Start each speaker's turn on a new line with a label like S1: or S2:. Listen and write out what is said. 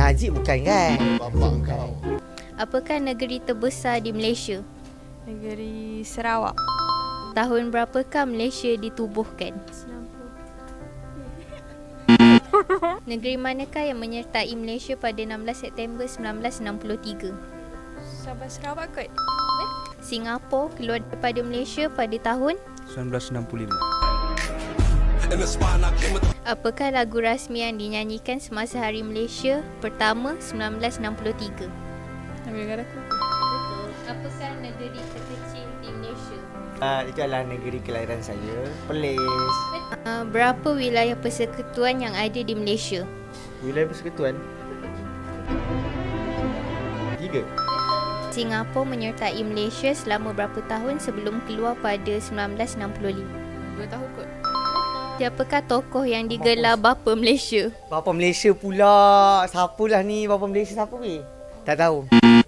S1: Najib bukan kan?
S2: Bapak kau.
S3: Apakah negeri terbesar di Malaysia?
S4: Negeri Sarawak.
S3: Tahun berapakah Malaysia ditubuhkan?
S4: 90.
S3: Negeri manakah yang menyertai Malaysia pada 16 September 1963?
S4: Sabah Sarawak kot.
S3: Singapura keluar daripada Malaysia pada tahun?
S5: 1965.
S3: Apakah lagu rasmi yang dinyanyikan semasa Hari Malaysia pertama 1963?
S4: Nama negara aku.
S3: Betul. Apakah negeri terkecil di Malaysia?
S1: Itu adalah negeri kelahiran saya, Perlis.
S3: Berapa wilayah persekutuan yang ada di Malaysia?
S1: Wilayah persekutuan 3.
S3: Singapura menyertai Malaysia selama berapa tahun sebelum keluar pada 1965?
S4: 2 tahun kot.
S3: Siapakah tokoh yang digelar Bapa Malaysia?
S1: Bapa Malaysia pula. Siapalah ni Bapa Malaysia siapa weh? Tak tahu.